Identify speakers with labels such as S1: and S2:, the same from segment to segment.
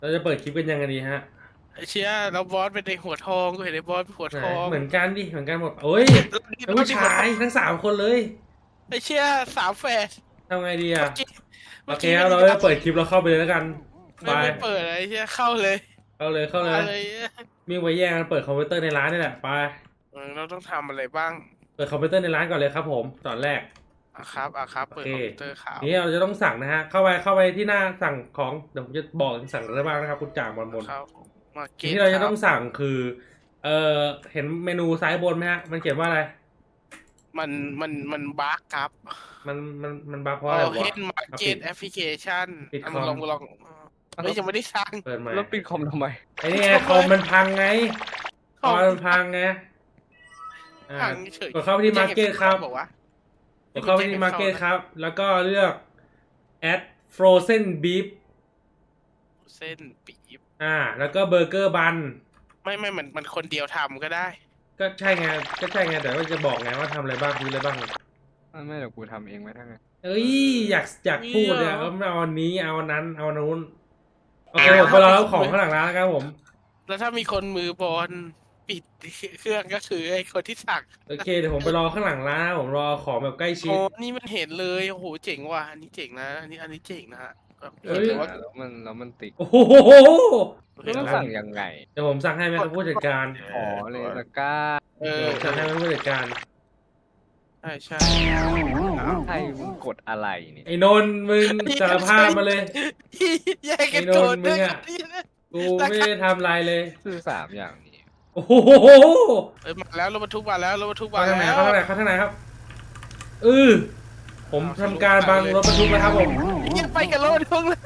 S1: เราจะเปิดคลิปกันยังไงดีฮะ
S2: ไอ้เชี่ยแล้วบอสเป็นไอ้หัวทองกูเห็นไอ้บอสเป็นหัว
S1: ไหน
S2: ทอง
S1: เหมือนกันดิเหมือนกันหมดโอ้ยเป็น
S2: เรา
S1: ผู้ชาย
S2: ที่หัวทอง
S1: ทั้ง3 คนเลย
S2: ไอ้เชี่ยสามแฝด
S1: ทำไงดีอ่ะ
S2: เมื่อกี้
S1: โอ
S2: เมื่อ
S1: เคครับเรา
S2: กี้ไม่ได้ดับ
S1: จะเปิดคลิปเราเข้าไปเลยแล้วกันไป
S2: ไม่เปิดไอ้เชี่ยเข้าเลย
S1: เข้าเลยเข้าเลย
S2: มาเลย
S1: มีไว้แย่งกันเปิดคอมพิวเตอร์ในร้านนี่แหละไป
S2: เราต้องทำอะไรบ้าง
S1: เปิดคอมพิวเตอร์ในร้านก่อนเลยครับผมตอนแรก
S2: อ่ะครับ
S1: โอเค
S2: เปิดคอมพิวเตอร์ครับ
S1: นี่เราจะต้องสั่งนะฮะเข้าไปที่หน้าสั่งของเดี๋ยวผมจะบอกสั่งอะไรบ้างนะครับคุณจ่างบน
S2: ครับมา
S1: สิ่ง
S2: เก็ต
S1: ที่เรา
S2: ครับ
S1: จะต้องสั่งคือเอ่อเห็นเมนูซ้ายบนไหมฮะมันเขียนว่าอะไร
S2: มันมันบั๊กครับ
S1: มันบั๊กเพราะ
S2: เอา
S1: อะไร
S2: เฮ
S1: วะ
S2: ดมา
S1: เอาปิด
S2: เก็ตแอปพลิเคชัน
S1: ปิดคอม
S2: มึงลองเฮ้ยยังไม่ได้สร้าง
S1: เปิดใหม่
S3: แล้วปิดคอมทำไม
S1: ไอ้นี่ไง
S2: ทำไม
S1: คอมมันพังไงค
S2: ของ
S1: อมมันพังไงอ่า
S2: พังเฉย
S1: กดเข้าไปที่มาร์เก็ตครับ
S2: บอกว่า
S1: กดเข้าไปที่มาร์เก็ตครับแล้วก็เลือก add frozen beef
S2: เส้นปี๊บ
S1: แล้วก็เบอร์เกอร์บัน
S2: ไม่มันคนเดียวทำก็ได้
S1: ก็ใช่ไงแต่ว่าจะบอกไงว่าทำอะไรบ้างคืออะไรบ้าง
S3: ไม่เดี๋ยวกูทำเองไหมทั้งนั้น
S1: เอ้ยอยากพูดเนี่ยเอาอันนี้เอาอันนั้นเอาอันนู้นโอเคผมไปรอรับของข้างหลังร้านแล้วครับผม
S2: แล้วถ้ามีคนมือบอลปิดเครื่องก็คือไอ้คนที่สั่ง
S1: โอเคเดี๋ยวผมไปรอข้างหลังร้านนะผมรอของแบบใกล้ชิ
S2: โอ้
S1: ด
S2: นี่มันเห็นเลยโอ้โหเจ๋งว่ะอันนี้เจ๋งนะอันนี้เจ๋งนะฮะแบบ
S1: เอ้ย
S2: เห็นเลยว่า
S3: แล้วมันติด
S1: โอ้โห
S2: เห็นแล้ว
S3: ก็ต้องสั่งยังไง
S1: เดี๋ยวผมสั่งให้ไหมครับผู้จัดการ
S3: อ๋อเลยตะกร้า
S2: เออ
S1: เดี๋ยวผมสั่งให้ไหมผู้จัดการ
S2: ใช่
S3: ใช่มึงกดอะไรเนี่ย
S1: ไอ้นนท์มึงสารภาพมาเลย
S2: แย่ง
S1: ไอ้น
S2: กันโกนด้วย
S1: นท์มึงอ่ะกูไม่ได้ทำอะไรเลย
S3: คือ3 อย่างนี้
S1: โอ้โห
S2: มาแล้วรถบรรทุกมาแล้วรถบรรทุกมา
S1: เข้าทางไหน
S2: แล้ว
S1: เข้าทางไหนเข้าทางไหนครับเออผมทำการบังรถบรรทุกนะครับผม
S2: ยังไปกับรถบรรทุกเลย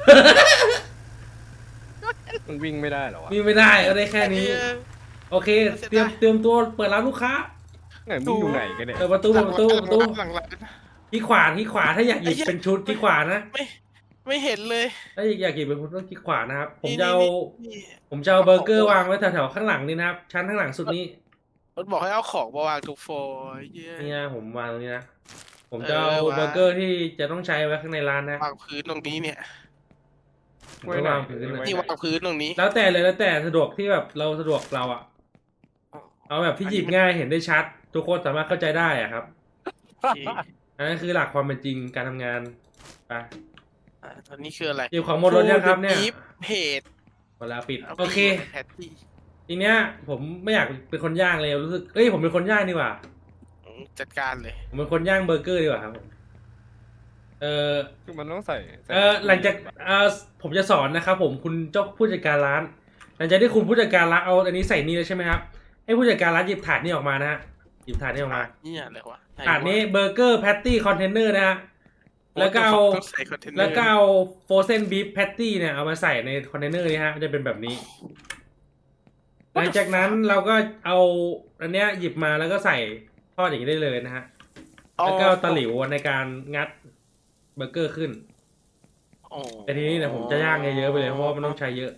S3: มันวิ่งไม่ได้เหรอวะ
S1: มีไม่ได้ก็ได้แค่นี้ โอเคเตรียมตัวเปิดร้านลูกค้า
S3: ไงมึงอยู่ไหนกันเนี่ย
S1: เปิดประตูเปิดประตู
S2: หลังร้าน
S1: ที่ขวาถ้าอยากหยิบเป็นชุดที่ขวานะ
S2: ไม่เห็นเลย
S1: ถ้าอยากหยิบเป็นชุดต้องที่ขวานะครับผม
S2: นี่
S1: จะเอา
S2: นี่
S1: ผมจะเอาเบอร์เกอร์วางไว้แถวๆข้างหลังนี่นะครับชั้นข้างหลังสุดนี้
S2: มันบอกให้เอาของมาวางทุกโฟร์เย้
S1: นี่นะผมวางตรงนี้นะผมจะเอาเบอร์เกอร์ที่จะต้องใช้ไว้ข้างในร้านนะ
S2: วางพื้นตรงนี้เนี่ย
S1: ผมก็วางพื้นเลย
S2: นี่วางพื้นตรงนี้
S1: แล้วแต่เลยแล้วแต่สะดวกที่แบบเราสะดวกเราอะเอาแบบที่หยิบง่ายเห็นได้ชัดทุกคนสามารถเข้าใจได้อะครับอันนั้นคือหลักความเป็นจริงการทำงานไป
S2: ตอนนี้คืออะไร
S1: หยิบของหมดรถยังครับเนี่ย
S2: เพจ
S1: เวลาปิดโอเค
S2: แพตตี้
S1: ทีเนี้ยผมไม่อยากเป็นคนย่างเลยรู้สึกผมเป็นคนย่างดีกว่า
S2: จัดการเลย
S1: ผมเป็นคนย่างเบอร์เกอร์ดีกว่าครับผม
S3: คือมันต้องใส่
S1: หลังจากผมจะสอนนะครับผมคุณเจ้าผู้จัดการร้านหลังจากที่คุณผู้จัดการร้านเอาอันนี้ใส่นี่แล้วใช่ไหมครับให้ผู้จัดการร้านหยิบถาดนี้ออกมานะฮะหยิบถาดนี้ออกมา
S2: นี่อะไรวะ
S1: ถาดนี้เบอร์เกอร์แพตตี้คอนเทนเนอร์นะฮะแล้วก็เอาโฟรเซนบีฟแพตตี้เนี่ยเอามาใส่ในคอนเทนเนอร์นี้ฮะจะเป็นแบบนี้หลังจากนั้นเราก็เอาอันเนี้ยหยิบมาแล้วก็ใส่ทอดอย่างนี้ได้เลยนะฮะแล้วก็ตะหลิวในการงัดเบอร์เกอร์ขึ้นแต่ทีนี้เนี่ยผมจะย่างเยอะๆไปเลยเพราะว่ามันต้องใช้เยอะ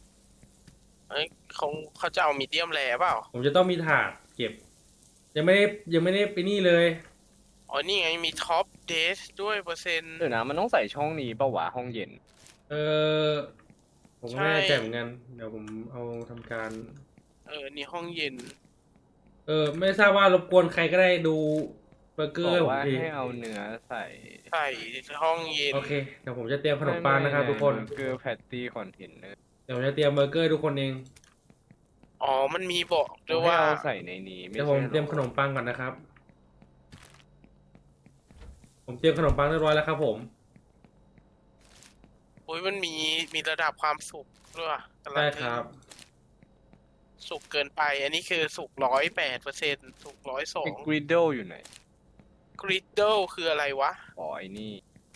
S2: เขาจะเอามีเดียมแรเปล่า
S1: ผมจะต้องมีถาดเก็บยังไม่ได้ไปนี่เลย
S2: อ๋อนี่ไงมีท็อปเดสด้วยเปอร์เซ็นต์
S3: เดี๋ยวนะมันต้องใส่ช่องนี้ป่าววะห้องเย็น
S1: เออผมไม่แน่ใจเหมือนกันเดี๋ยวผมเอาทำการ
S2: นี่ห้องเย็น
S1: ไม่ทราบว่ารบกวนใครก็ได้ดูเบอร์เกอร์
S3: บอก
S1: ผม
S3: ว่า
S1: ที
S3: ให้เอาเนื้อใส่
S2: ห้องเย็น
S1: โอเคเดี๋ยวผมจะเตรียมขนมปังนะครับทุกคน
S3: เบอร์เกอร์แพตตี้คอนเทนเนอร์
S1: เดี๋ยวผมจะเตรียมเบอร์เกอร์ทุกคนเอง
S2: อ๋อมันมีบอกด้วยว่า
S3: เอาใส่ในนี้
S1: เดี๋ยวผมเตรียมขนมปังก่อนนะครับผมเตรียมขนมปังเรียบร้อยแล้วครับผม
S2: อุ้ยมันมีระดับความสุกด้วย
S1: ใช่ครับ
S2: สุกเกินไปอันนี้คือสุก108%สุก102
S3: กริดเดลอยู่ไหน
S2: กริดเดลคืออะไรวะ
S3: อ๋อไอ้นี่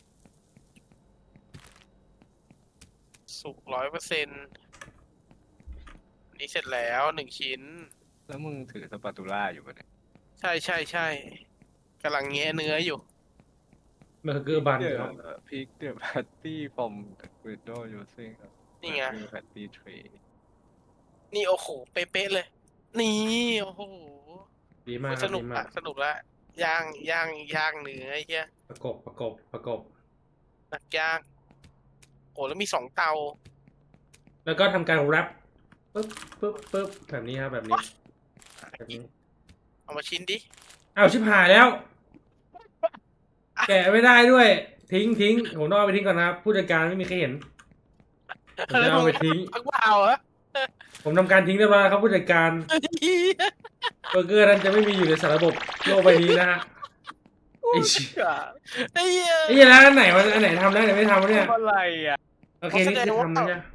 S2: สุก100%นี่เสร็จแล้ว1 ชิ้น
S3: แล้วมึงถือสปาตูล่าอยู่ปะเนี่ย
S2: ใช่กำลังแงะเนื้ออยู่
S1: เบอร์เกอร์บันครับ
S3: พิกเดอะแพตตี้ฟอร์มกริดเดลยูซิ่ง
S2: นี่ไง
S3: แพตตี้เทรย์
S2: นี่โอ้โหเป๊ะเลยนี่โอ้โห
S1: ดีมาก
S2: สนุกละย่างเนื้อไอ้เหี้ย
S1: ประกบ
S2: นักย่างโอ้แล้วมี2 เตา
S1: แล้วก็ทำการแรปปึ๊บปึ๊บปึ๊บแบบนี้ครับแบบนี้แบบนี้
S2: เอามาชิ้นดิ
S1: อ้าวชิบหายแล้ว แกะไม่ได้ด้วย ทิ้งผมต้องเอาไปทิ้งก่อนนะครับผู้จัดการไม่มีใครเห็นผมจะเอาไปทิ้ง
S2: พักเปล่าเหรอ
S1: ผมทำการทิ้งเรียบร้อยแล้วครับผู้จัดการเบอร์เกอร์นั้นจะไม่มีอยู่ในสารระบบโลกใบนี้นะฮะไอ้เชี่ย
S2: ไอ้เหี้ย
S1: ไอ้เหี้ยแล้วอันไหนมันอันไหนทำได้อันไหนไม่ทำวะเนี่ย
S3: อะไรอ่ะ
S1: โอเคนี่คือทำนะเนี่ย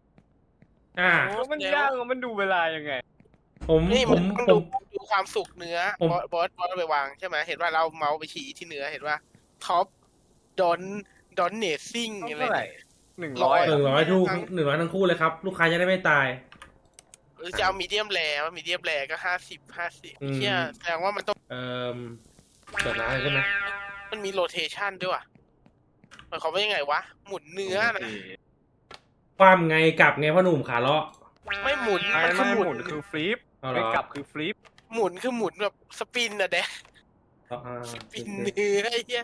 S3: มันยากมันดูเวลายังไง
S1: ผม
S2: นี่
S1: ผ
S2: มัน
S1: ม
S2: ต้อง
S1: ผม
S2: ดูความสุกเนื้อ
S1: ผม
S2: บอสเอาไปวางใช่ไหมเห็นว่าเราเมาส์ไปชี้ที่เนื้อเห็นว่าท็อปดอนเนสซิ่งอะไร
S3: เท่าไหร่
S2: เนี่ย
S1: 100ทุก100ทั้งคู่เลยครับ ลูกค้าจะได้ไม่ตาย
S2: หรือจะเอามีเดียมแรมีเดียมแรก็50
S1: อืม
S2: เชี่ยแสดงว่ามันต้อง
S1: เปิดร้านเลยใช่ไหม
S2: มันมีโรเทชันด้วยว่ะหมายความว่ายังไงวะ หมุนเนื้อนะ
S1: ความไงกลับไงพ่อหนุ่มขาเลาะ
S2: ไม่หมุน
S3: ไม่
S2: มันคือ
S3: ไม่
S2: หมุ
S3: หมุ
S2: น
S3: นคือฟลิป
S1: เอาเหร
S3: ไม่
S1: อก
S3: ลับคือฟลิป
S2: หมุนคือหมุนแบบสปินอะเด็ก
S1: อ่า
S2: สปินเนื้อไอ้เหี้ย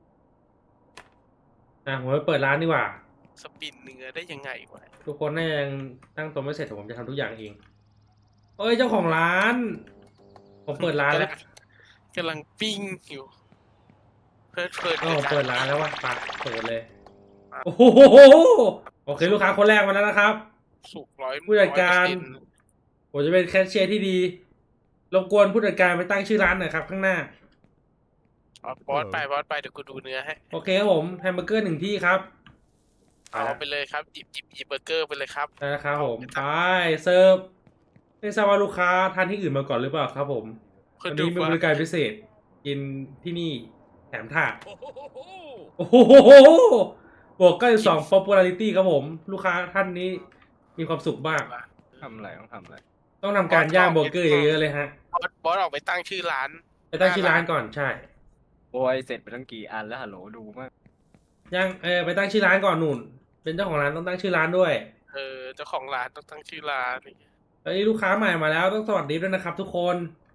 S1: ผมไปเปิดร้านดีกว่า
S2: สปินเนื้อได้ยังไงวะ
S1: ทุกคนน่าจะยังตั้งตัวไม่เสร็จแต่ผมจะทำทุกอย่างเองเอ้ยเจ้าของร้าน ผมเปิดร้านแล้ว
S2: กำลังปิ้งอยู่เพลิดเพลิน
S1: อ๋อ
S2: ใน
S1: เปิด
S2: ก
S1: ร้านแล้วว่ะปะเปิดเลยโอ้โหโอเคลูกค้าคนแรกมาแล้วนะครับ
S2: สุกร้อย
S1: ผู้จัดการ ผมจะเป็นแคชเชียร์ที่ดีรบกวนผู้จัดการไปตั้งชื่อร้านหน่อยครับข้างหน้า
S2: บอสไปเดี๋ยวกูดูเนื้อให้
S1: โอเคครับผมแฮมเบอร์เกอร์1ที่ครับ
S2: เอาไปเลยครับหยิบเบอร์เกอร์ไปเลยครับ
S1: ได้ครับผมไปเสิร์ฟไม่ทราบว่าลูกค้าทานที่อื่นมาก่อนหรือเปล่าครับผม
S2: คุ
S1: วั
S2: ณ
S1: น
S2: ดู
S1: นี้มี
S2: ว่า
S1: บริการพิเศษ กินที่นี่แถมถาดโอ้โหบวก92 popularity ครับผม ลูกค้าท่านนี้มีความสุขมาก
S3: ทำอะไรต้องทำอะไร
S1: ต้องทำการย่างเบอร์เกอร์เยอะๆเลยฮะ
S2: บอสออกไปตั้งชื่อร้าน
S1: ไปตั้งชื่อร้านก่อนใช่
S3: โอ้ยเสร็จไปตั้งกี่อันแล้วฮัลโหลดูมาก
S1: ย่างไปตั้งชื่อร้านก่อนนุ่น เป็นเจ้าของร้านต้องตั้งชื่อร้านด้วย
S2: เจ้าของร้านต้องตั้งชื่อร้าน
S1: เอ้ยลูกค้าใหม่มาแล้วต้องสวัสดีด้วยนะครับ ทุกคน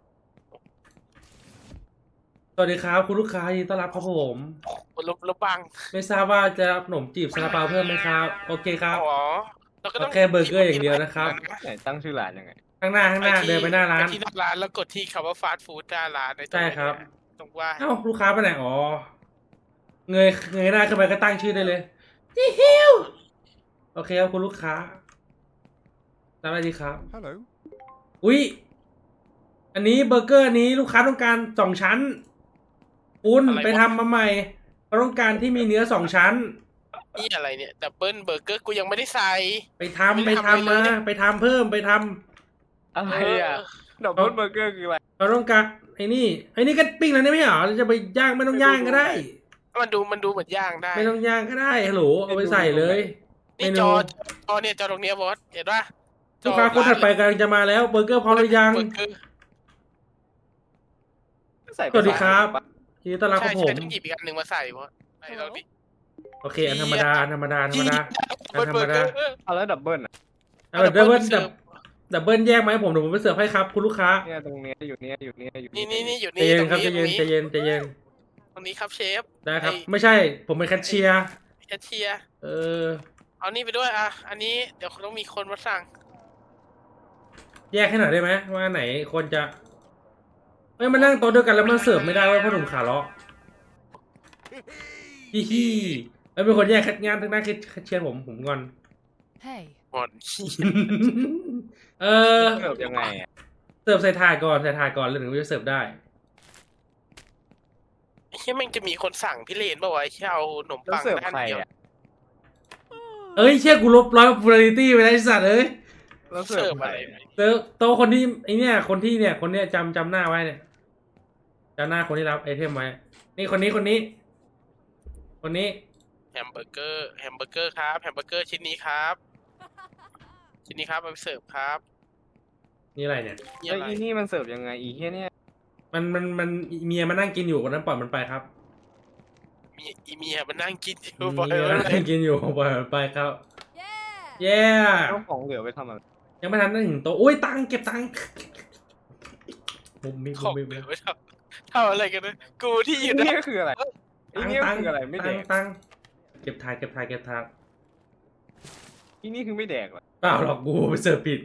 S1: สวัสดีครับคุณลูกค้ายินดีต้อนรับครับผม
S2: ลบบัง
S1: ไม่ทราบว่าจะรับขนมจีบซาลาเปาเพิ่มไหมครับ โอเคครับ
S2: อ๋อเราก็ต้อง
S1: แค่เบอร์เกอร์อย่างเดียวนะครับ
S3: ไหนตั้งชื่อร้านยังไง
S1: ข้างหน้าเดินไปหน้าร้าน
S2: ไปที่หน้าร้านแล้วกดที่คำว่าฟาสต์ฟู้ดหน้าร้านในตง
S1: ใช่ครับ
S2: ตรงว่า
S1: เอ้าลูกค้าไปไหนอ๋อเงยหน้าขึ้นไปก็ตั้งชื่อได้เลยจิฮิวโอเคครับคุณลูกค้ารับอะไรดีครับ
S4: Hello.
S1: อุ๊ยอันนี้เบอร์เกอร์อันนี้ลูกค้าต้องการ2 ชั้นคุณไปทำมาใหม่เขาต้องการที่มีเนื้อ2 ชั้น
S2: นี่อะไรเนี่ยดับเบิลเบอร์เกอร์กูยังไม่ได้ใส่
S1: ไปทำ
S2: ไม่ได้ทำอะไร
S1: มา
S2: เลย
S1: ไปทำเพิ่มไปทำ
S3: อะไรอ่ะดับเบิลเบอร์เกอร์คืออะไร
S1: เราต้องการไอ้นี่ก็ปิ้งแล้วนี่ไม่ใช่เหรอจะไปย่างไม่ต้องย่างก็ได้
S2: มันดูเหมือนย่างได้
S1: ไม่ต้องย่างก็ได้ฮัลโหลเอาไปใส่เลย
S2: นี่
S1: เมนู
S2: จอเนี่ยจอตรงเนี้ยบอสเห็นปะ
S1: ลูกค้าคนถัดไปกำลังจะมาแล้วเบอร์เกอร์พร้อมหรือยัง
S2: เบอร์เกอร์
S3: ใส่ไป
S1: สวัสดีครับ ยินดีต้อนรับค
S2: ใช่
S1: รับผ
S2: ใช่
S1: ม
S2: ต้องหยิบอีกอันหนึ่งมาใส่บอสไหนเราดิ
S1: โอเคอันธรรมดาอันธรรมดาอันธรรมดา
S2: เบอร์เกอร์
S3: เอาแล้วดับเบิลอ่ะ
S1: เอาแบบดับเบิลแยกไหมาให้ผมเดี๋ยวผมไปเสิร์ฟให้ครับคุณลูกค้า
S3: เนี่ยตรงเนี้ยอยู่เนี้ยอยู่เนี้ยอยู่
S2: นี่อยู่
S1: ใจ
S2: นี่
S1: เย็น
S2: ตรง
S1: ครับ
S2: นี้
S1: ใจเย็นใจเย็น
S2: ตรงนี้ครับเชฟ
S1: ได้ครับ
S2: ไอ้
S1: ไม่ใช่ผมเป็นแคชเชียร์
S2: แคชเชียร์
S1: เออ
S2: เอานี่ไปด้วยอ่ะอันนี้เดี๋ยวต้องมีคนมาสั่ง
S1: แยกให้หน่อยได้ไหมว่าไหนคนจะเอ้ยมานั่งโต๊ะเดียวกันแล้วมันเสิร์ฟไม่ได้เว่าพ่อหนุ่มขาเลาะฮิฮิเอ้ยเป็นคนแยกงานทั้งนั้นแคชเชียร์ผมงอน
S5: Hey.
S2: หมอน
S1: เออ
S3: เสิร์ฟยังไงอ่ะ
S1: เสิร์ฟใส่ถาดก่อนแล้วถึงจะเสิร์ฟได้
S2: ไอ้เหี้ยแม่งจะมีคนสั่งพี่เลนป่าวะไอ้เหี้ยเอาขนม
S3: แล้ว
S2: ปัง
S3: เสิร์ฟ
S2: ด้าน
S3: ใคร
S2: เดียว
S3: อ่ะ
S1: เอ้ยเชี่ยกูลบ100 popularity ไปแล้วไอ้สัตว์เอ้ย
S3: แล้วเสิ
S2: เสิ
S3: ร์
S2: ร์
S3: ฟ
S2: ฟ
S3: ใคร
S2: อะไร
S1: เสิร์ฟโต๊ะคนที่ไอเนี่ยคนที่จำหน้าไว้เนี่ยจำหน้าคนที่รับไอเทมไว้นี่คนนี้
S2: แฮมเบอร์เกอร์ครับแฮมเบอร์เกอร์ชิ้นนี้ครับชิ้นนี้ครับเอาไปเสิร์ฟครับ
S1: นี่อะไรเนี่ย
S2: นี่
S3: แล้ว
S2: อะไร
S3: อีนี่มันเสิร์ฟยังไงอีเฮียเนี่ย
S1: มันเมียมานั่งกินอยู่คนนั้นปล่อยมันไปครับ
S2: มีเมียมันนั่งกินอยู่
S1: เมี
S2: บ่อย
S1: ย
S2: เล
S1: มานั่ง
S2: ย
S1: กินอยู่ปล่อยมันไปครับ
S5: Yeah.
S1: เย้
S3: เจ้าของเหลือไปทำอะไร
S1: ยังไม่ทันได้ถึงโต๊ะอุ้ยตังค์เก็บตังค์มุมมี
S2: ของเหลือไว้ทำอะไรกันนะกูที่อ
S3: อี
S2: ยู่
S3: เนี่
S2: นะ
S3: ยคืออะไรอีเนี่ยคืออะไรไม่แดก
S1: ตังค์เก็บถาด
S3: อีนี่คือไม่แดกเหรอ
S1: เปล่าหรอกกูไปเสิร์ฟผิด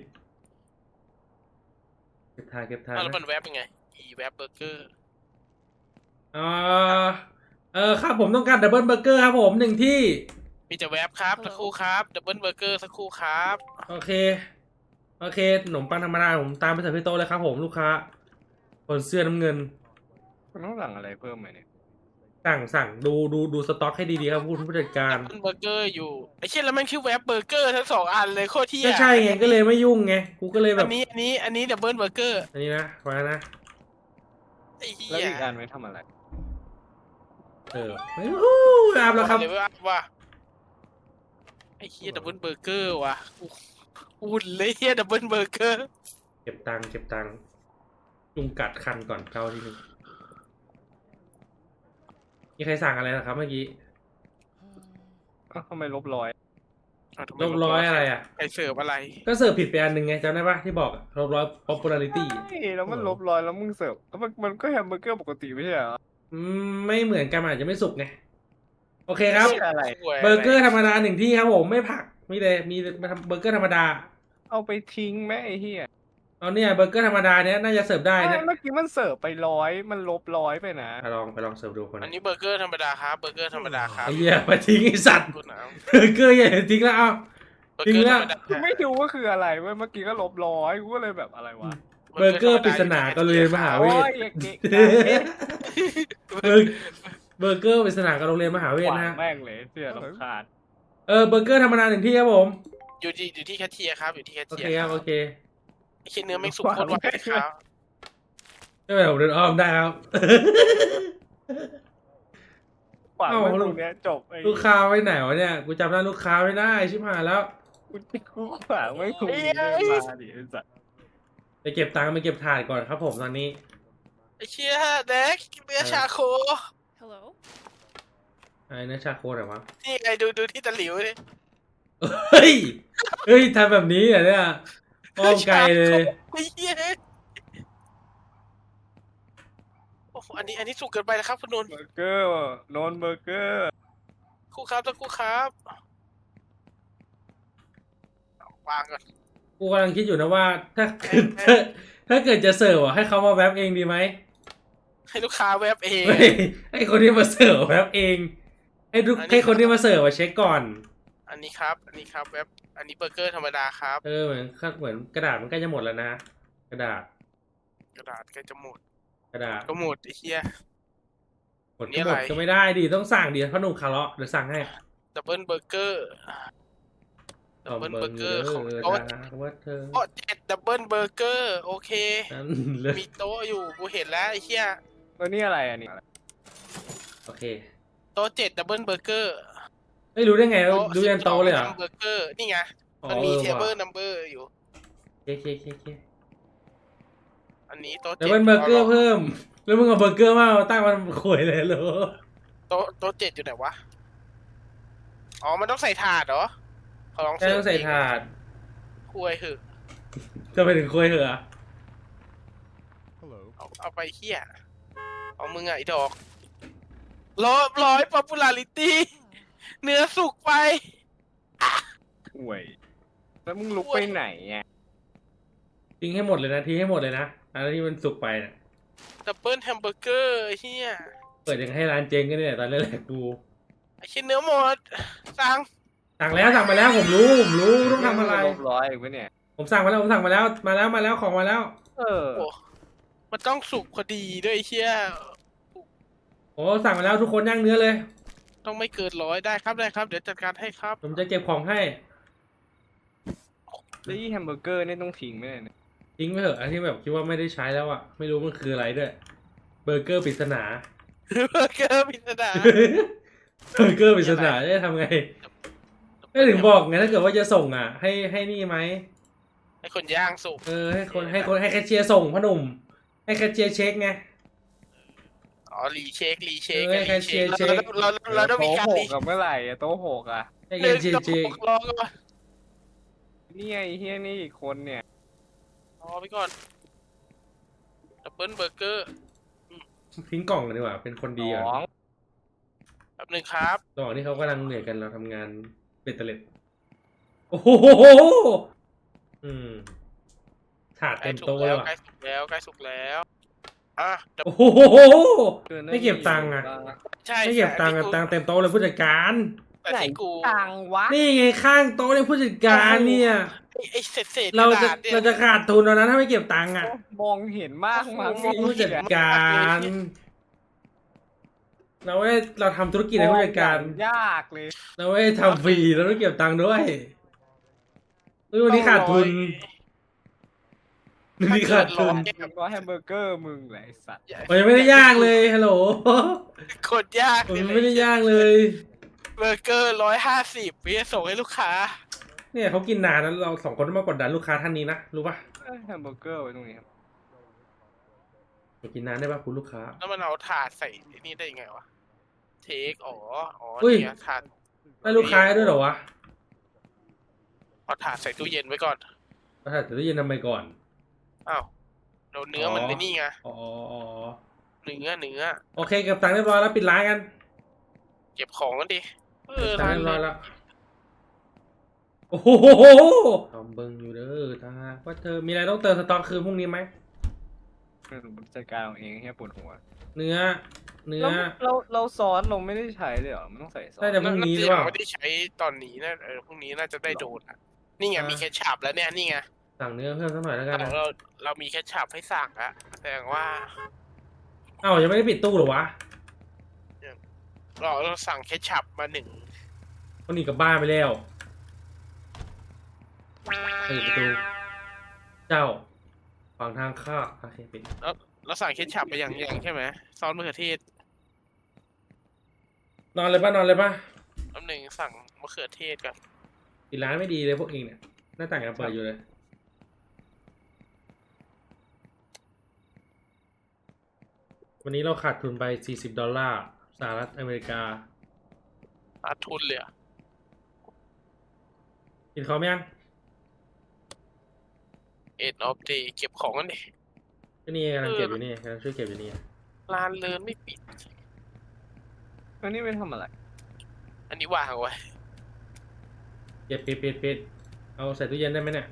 S1: เก็บทาน
S2: แล้วมันแวบยังไงแวบเบอร์เกอร์
S1: เอครับผมต้องการดับเบิลเบอร์เกอร์ครับผม1ที่
S2: มีจะแวบครับสักครู่ครับดับเบิลเบอร์เกอร์สักครู่ครับ
S1: โอเคขนมปังธรรมดาผมตามไปเสิร์ฟที่โต๊ะเลยครับผมลูกค้าคนเสื้อน้ำเงิน
S3: คุณต้องสั่งอะไรเพิ่มไหมเนี่ย
S1: สั่งดูสต็อกให้ดีๆครับผู้จัดการ
S2: ดับเบิลเบอร์เกอร์อยู่ไอ้เช่นแล้วมันคือแวบเบอร์เกอร์ทั้ง2 อันเลยโคตรเที่ย
S1: ก็ใช่ไงก็เลยไม่ยุ่งไงกูก็เลยแบ
S2: อั
S1: บ
S2: นนี้ดับเบิลเบอร์เกอร์
S1: อันนี้นะมานะ
S2: ไอ้เหี้
S3: แล้ว
S2: ย
S3: อีกอันไว้ทำอะไร
S1: ไม่รู้อาบแล้วครับ
S2: เลยว่าไอ้เหี้ยดับเบิลเบอร์เกอร์ว่ะอุ่นเลยเหี้ยดับเบิลเบอร์เกอร์
S1: เก็บตังค์จุงกัดคันก่อนเข้าที่นึงมีใครสั่งอะไรนะครับเมื่อกี้
S3: ทำไมลบร้อย
S1: ลบร้อยอะไรอ่ะ
S2: ไอเสิร์ฟอะไร
S1: ก็เสิร์ฟผิดไปอันหนึ่งไงจำได้ปะที่บอกลบร้อย popularity
S3: ใช่แล้วมันลบร้อยแล้วมึงเสิร์ฟแล้วมันก็แฮมเบอร์เกอร์ปกติไม่ใช่เหรอ
S1: ไม่เหมือนกันมันอาจจะไม่สุกไงโอเคครับ
S3: อะไร
S1: เบอร์เกอร์ธรรมดา1ที่ครับผมไม่ผักมีเบอร์เกอร์ธรรมดา
S3: เอาไปทิ้งไหมไอ้เหี้ย
S1: เอาเนี่ยเบอร์เกอร์ธรรมดาเนี้ยน่าจะเสิร์ฟได้นะ
S3: เมื่อกี้มันเสิร์ฟไปร้อยมันลบร้อยไปนะ
S1: ไปลองเสิร์ฟดูคน
S2: อันนี้เบอร์เกอร์ธรรมดาครับเบอร์เกอร์ธรรมดาครับ
S1: ไอ้เหี้ยมาทิ้งไอ้สัตว์
S2: คุณเอา
S1: เบอร์เกอร์อย่าทิ้งแล้วเอา
S2: เบอร์เกอร์ธรรมดา
S3: กูไม่รู้ว่าคืออะไรเว้ยเมื่อกี้ก็ลบร้อยกูก็เลยแบบอะไรวะ
S1: เบอร์เกอร์ปริศนาก็เลยนมหา
S3: โอ้
S1: เวท
S3: ยอย่าเกะ
S1: เบอร์เกอร์ปริศนากับโรงเรียนมหาเวท
S3: ขวา
S1: นะ
S3: งแม่งเลยเสื้อรำคาญ
S1: เบอร์เกอร์ธรรมดา1ที่ครับผม
S2: อยู่ที่แคชเชียร์ครับอยู่ที่แคช
S1: โอ
S2: เชีย
S1: เค
S2: ร์
S1: ครับโอเค
S2: ไอ้เช่นเนื้อไม่สุกโคตรไวครับ
S1: ไม่เป็นไรผมเดินอ้อมได้ครับ
S3: ขวาง
S1: เอ้า
S3: ไว้ตรงเนี้ยจบไอ้
S1: ลูกค้าไว้ไหนวะเนี่ยกูจำหน้าลูกค้าไม่ได้ชิบหายแล้ว
S3: กูขวางไว้ตรงนี้เลยมาดิไอ้สัส
S1: ไปเก็บตังค์ไปเก็บถ่านก่อนครับผมตอนนี้
S2: ไอ้เชี่ยแดกเนื้อชาโค
S4: Hello?
S1: ไอ้เนื้อชาโคไหนวะ
S2: นี่ไงดูที่ตะหลิวดิ
S1: เฮ้ยทำแบบนี้เหรอเนี่ยอ้อมไกลเลย
S2: ไอ้เหี้ยโอ้โหอันนี้สุกเกินไปนะครับคุณนนท์
S3: เบอร์เกอร์โนนเบอร์เกอร์
S2: ครู่ครับสักครู่ครับวางก่อน
S1: กูกำลังคิดอยู่นะว่าถ้าถ้าเกิดจะเสิร์ฟอ่ะให้เขามาแวบเองดีไหม
S2: ให้ลูกค้าแวบเอง
S1: เฮ้ยให้คนที่มาเสิร์ฟแวบเอง ให้คนที่มาเสิร์ฟอะเช็คก่อน
S2: อันนี้ครับแวบอันนี้เบอร์เกอร์ธรรมดาครับ
S1: เหมือนกระดาษมันใกล้จะหมดแล้วนะ กระดาษ
S2: กระดาษใกล้จะหมด
S1: กระดาษ
S2: ก็หมดไอ้เหี้ย
S1: หมด
S2: นี่
S1: ก็
S2: อะไร
S1: หมดก็ไม่ได้ดิต้องสั่งดิพ่อหนุ่มคาร์เลาะเดี๋ยวสั่งให้
S2: ดับเบิลเบอร์เกอร์ดับเบิลเบอร์เกอร์ของ
S1: โต๊ะ
S2: โต๊ะ
S1: ว่าเธอ
S2: โต๊ะ7ดับเบิลเบอร์เกอร์โอเค
S1: นั่นเลย
S2: มีโต๊ะอยู่กูเห็นแล้วไอ้เหี้ย
S3: แล้วนี่อะไรอันนี้
S1: โอเค
S2: โต๊ะ7ดับเบิลเบอร์เกอร์
S1: ไม่รู้ได้ไงดูยันโตะเลยเหรอ
S2: เบอร์เกอร์นี่ไง
S1: อ๋อ
S2: มันมีเทเบิล
S1: ว่ะ
S2: นัมเบอร์อยู่
S1: เค
S2: อันนี้โต๊ะ
S1: เดี๋ยวเป็นเบอร์เกอร์เพิ่ม แล้วมึงเอาเบอร์เกอร์มาตั้งมันข่วยเลยเหรอ
S2: โต๊ะ7อยู่ไหนวะอ๋อมันต้องใส่ถาดเหรอขอลอง
S1: แค่ต้องใส่ถาด
S2: คุยเหอะ
S1: จะไปถึงข่วยเหรอ
S2: เอาไปเหี้ยเอามึงไอ้ดอกร้อย popularity เนื้อสุกไป
S3: ห่วยแล้วมึงลุกไปไหนอ่ะ
S1: ทิ้งให้หมดเลยนะทิ้งให้หมดเลยนะอะไรที่มันสุกไปน่ะ
S2: ดับเบิลแฮมเบอร์เกอร์เฮีย
S1: เปิดยังให้ร้านเจ๊งกันเนี่ยตอนแรกๆดู
S2: ไอชิ้นเนื้อหมดสั่ง
S1: สั่งมาแล้วผมรู้ต้องทำอะไร
S3: ลบร้อยอีกไหมเนี่ย
S1: ผมสั่งมาแล้วมาแล้วของมาแล้ว
S3: เออ
S2: โอ้มันต้องสุกพอดีด้วยไอ้เชี่ย
S1: โอ้สั่งมาแล้วทุกคนย่างเนื้อเลย
S2: ต้องไม่เกิน100ได้ครับเดี๋ยวจัดการให้ครับ
S1: ผมจะเก็บของให้
S3: แล้วยี่แฮมเบอร์เกอร์นี่ต้องทิ้งไหมเนี่ย
S1: ทิ้งไปเถอะอันที่แบบคิดว่าไม่ได้ใช้แล้วอ่ะไม่รู้มันคืออะไรด้วยเบอร์เกอร์ปริศนา
S2: เบอร์เกอร์พิสดาร
S1: เบอร์เกอร์ปริศนาจะทำไงไม่ถึงบอกไงถ้าเกิดว่าจะส่งอ่ะ ให้นี่ไหม
S2: ให้คนย่างสุก
S1: ให้แคชเชียร์ส่งพ่อหนุ่มให้แคชเชียร์เช็คไง
S2: อ๋อรีเช็ค
S1: ให้แคชเชียร์เช็ค
S2: เราต้องมี
S3: โต๊ะ
S2: การ
S3: ห
S2: รี
S3: กกับเมื่อไหร่อะโต๊ะหกอะ
S1: ให้แคชเชียร์เช็ค
S2: รอก่อน
S3: นี่ไอ้เฮียนี่อีกคนเนี่ย
S2: รอไปก่อนดับเบิลเบอร์เกอร์
S1: ทิ้งกล่องกันดีกว่าเป็นคนดีอ่ะ
S3: สอง
S2: แป๊บนึงครับ
S1: ระหว่างที่เขากำลังเหนื่อยกันเราทำงานเบ็ดเตล็ดโคโอ้โหอืมถาด
S2: ใกล้
S1: เต็ม
S2: สุก
S1: โต๊ะเล
S2: แล้
S1: ยว ว่ะ
S2: ใกล้สุกแล้วใกล้สุกแล้วอ่ะเดี๋ยว
S1: โอ้โหไม่เก็บตังค์อ่ะ
S2: ใช่
S1: ไม่เก็บตังค์อะตังค์เต็มโต๊ะเลยผู้จัดการ
S2: แต่
S3: ไหน
S2: ที่กู
S3: ตังวะ
S1: นี่ไงข้างโต๊ะเนี่ยผู้จัดการเนี่ย
S2: ไอ้เศษก
S1: เรา
S2: ระ
S1: จะ
S2: ดาษเนี่ย
S1: เราจะขาดทุนแล้วนะถ้าไม่เก็บตังค์อ่ะ
S3: มองเห็นมากมั้ง
S1: ผู้จัดการเราทำธุรกิจในผู้จัดการ
S3: ยากเลย
S1: เราไม่ได้ทำฟรีเราต้องเก็บตังค์ด้วยเฮ้ยวันนี้ขาดทุนวันนี้ขาดทุน
S3: มึงก็แฮมเบอร์เกอร์มึงแหละไอ้สัตว์
S1: มันยังไม่ได้ย่างเลยฮัลโหล
S2: โคตรยาก
S1: มันไม่ได้ย่างเลย
S2: เบอร์เกอร์150พี่จะส่งให้ลูกค้า
S1: เนี่ยเขากินนานแล้วเราสองคนต้องมากดดันลูกค้าท่านนี้นะรู้ป่ะ
S3: แฮมเบอร์เกอร์ไว้ตรงนี้ครับ
S1: อย่ากินนานได้ป่ะคุณลูกค้า
S2: แล้วมันเอาถาดใส่ไอ้นี่ได้ยังไงวะเทคอ๋อ
S1: อุ้ย
S2: เนี่ยถาด
S1: ได้ลูกค้าด้วยเหรอวะ
S2: เอาถาดใส่ตู้เย็นไว้ก่อน
S1: เราถ่ายตู้เย็นทำไมก่อน
S2: อ้าวเดี๋ยวเนื้อมัน
S1: อ๋อ
S2: ไอ้นี่ไง
S1: อ๋อ
S2: เนื้อ
S1: โอเคเก็บตังค์เรียบร้อยแล้วปิดร้านกัน
S2: เก็บของกันดิเออ
S1: ตัง
S2: ร้า
S1: ค์
S2: น
S1: เรียบร้อย
S2: เลย
S1: แล้วโอ้โหทำเบิ้งอยู่เด้อถ้าหากว่าเธอมีอะไรต้องเติมสต็อกคืนพรุ่งนี้ไหม
S3: จัดการเอาเองแค่ปวดหัว
S1: เนื้อ
S3: เราซอสเราไม่ได้ใช้เลยเหรอมันต้องใส่ซอส
S1: ได้แต่พรุ่งนี้หรือเปล่า
S2: ไม่ได้ใช้ตอนนี้นะพรุ่งนี้น่าจะได้โดนอะนี่ไงมีเคชัพแล้วเนี่ยนี่ไง
S1: สั่งเนื้อเพิ่มสักหน่อยแล้วกันนะ
S2: เรามีเคชัพให้สั่งอะแสดงว่า
S1: เอ้ายังไม่ได้ปิดตู้เหรอวะ
S2: เราสั่งเคชัพมา1
S1: คนนี้กลับบ้านไปแล้วเปิดประตูเจ้าฝั่งทางข้าโอเคปิด
S2: เราสั่งเคชัพไปอย่างใช่ไหมซอสมะเขือเทศ
S1: นอนเลยป่ะนอนเลยป่ะ
S2: อันหนึ่งสั่งมะเขือเทศกัน
S1: ปิดร้านไม่ดีเลยพวกเองเนี่ยหน้าต่างยังเปิดอยู่เลยวันนี้เราขาดทุนไป$40สหรัฐอเมริกา
S2: ขาดทุนเลยอะ
S1: กินเขาไหมยัง
S2: เอ็ดออฟเดย์เก็บของกันดิ
S1: ก็นี่กำลังเก็บอยู่นี่กำลังช่วยเก็บอยู่นี่
S2: ร้านเลินไม่ปิด
S3: แล้วนี่ไปทำอะไร
S2: อันนี้วางเอาไว้
S1: เก็บปิดเอาใส่ตู้เย็นได้ไหมเนี่ย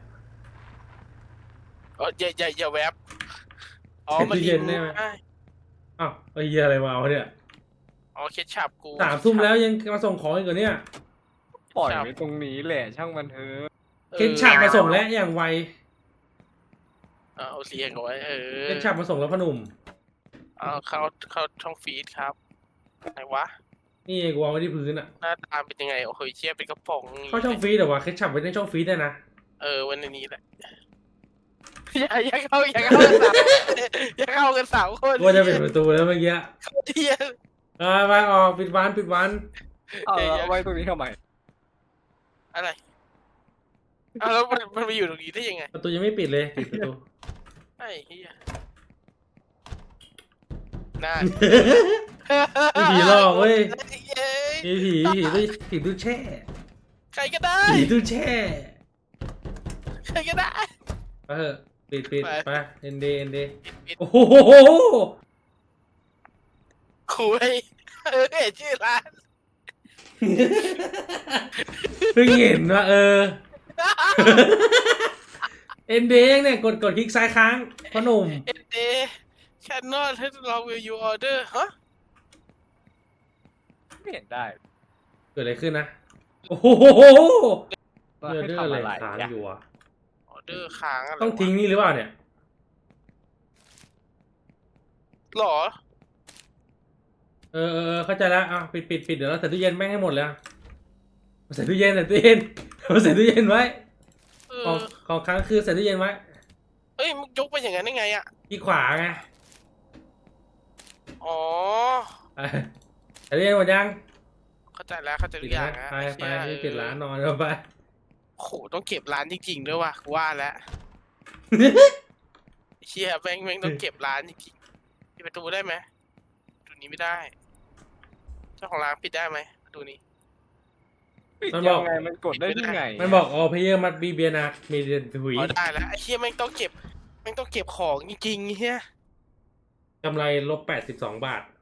S2: อย่าแวบอ๋อมัน
S1: ตู้เย็นได้ไหม
S2: ได้
S1: อ้าวไอ้เหี้ยอะไรมาวะเนี่ย
S2: อ๋อเคชัพกู
S1: 3 ทุ่มแล้วยังมาส่งของอีกเหรอเนี่ย
S3: ปล่อยไว้ตรงนี้แหละช่างมันเถอะ
S1: เคนฉับมาส่งแล้วอย่างไว
S2: เอาเสียงเอาไว้
S1: เคนฉับมาส่งแล้วพอหนุ่ม
S2: เอาเข้าช่องฟีดครับไหนวะ
S1: นี่กูวางไว้ที่พื้นอ่ะ
S2: หน้าตาเป็นยังไงโอ้โหเชี่ยเป็นกระป๋อง
S1: เข้าช่องฟีดเหรอวะเคนฉับไว้ในช่องฟีดได้นะ
S2: วันนี้แหละอย่าเข้ากันสามอย่าเข้ากัน3 คน
S1: ว่าจะปิดประตูแล้วเมื่อกี้
S2: เข้าเทียน
S1: ไปออกปิดวัน
S3: เอาไว้ตรงนี้ทำไม
S2: อะไรอ้าวแล้วมันไปอยู่ตรงนี้ได้ยังไง
S1: ประตูยังไม่ปิดเลยปิดประตู
S2: ไอ้เหี้ยน่า
S1: มีผีหลอกเว้ย
S2: เย้
S1: มีผีตู้แช่
S2: ใครก็ได้
S1: ผีตู้แช่
S2: ใครก็ได้
S1: ไปเถอะปิด
S2: ไป
S1: ไปเอ็นเด
S2: ปิด
S1: โอ้โห
S2: คุยเห็นชื่อร้าน
S1: เพิ่งเห็นว่าเอ็นเดเนี่ยกดคลิกซ้ายค้างพ่อหนุ่ม
S2: เอ็นเดแคนนอลให้ลองวิวยูออเดอร์ฮะ
S3: ไม่เห็นได้
S1: เกิดอะไรขึ้นนะโอ้โห
S3: ว่า
S1: เรื่อง
S3: ให้
S1: อะไร
S3: ทำอะไร
S1: ค้าง
S3: อะ
S1: อยู่อ่ะ
S2: ออเดอร์ค้างอะไร
S1: ต้องทิ้งนี่หรือเปล่าเนี่ย
S2: หรอ
S1: เข้าใจแล้วปิดเดี๋ยวเราใส่ตู้เย็นแม่งให้หมดเลยใส่ตู้เย็นใส่ตู้เย็นไว้ของค้างคือใส่ตู้เย็นไว้
S2: เอ้ยมึงยกไปอย่างนั้นได้ไงอ่ะ
S1: ที่ขวาไง
S2: อ๋อ
S1: ใส่ตู้เย็นหมดยัง
S2: เข้าใจแล้วเข้าใจทุกอย่างนะ
S1: ไปที่ปิดร้านนอนแล้วไป
S2: โหต้องเก็บร้านจริงๆด้วยว่ะกูว่าแล้วเชี่ยแม่งต้องเก็บร้านจริงๆปิดประตูได้ไหมประตูนี้ไม่ได้เจ้าของร้านปิดได้ไหมประตูนี้
S3: ปิดยังไงมันกดได้ยังไง
S1: มันบอกเพย์มัดบีเบียนะมีเดียนถุย
S2: อ๋อได้แล้วไอ้เชี่ยแม่งต้องเก็บของจริงๆเฮีย
S1: กำไรลบ82 บาท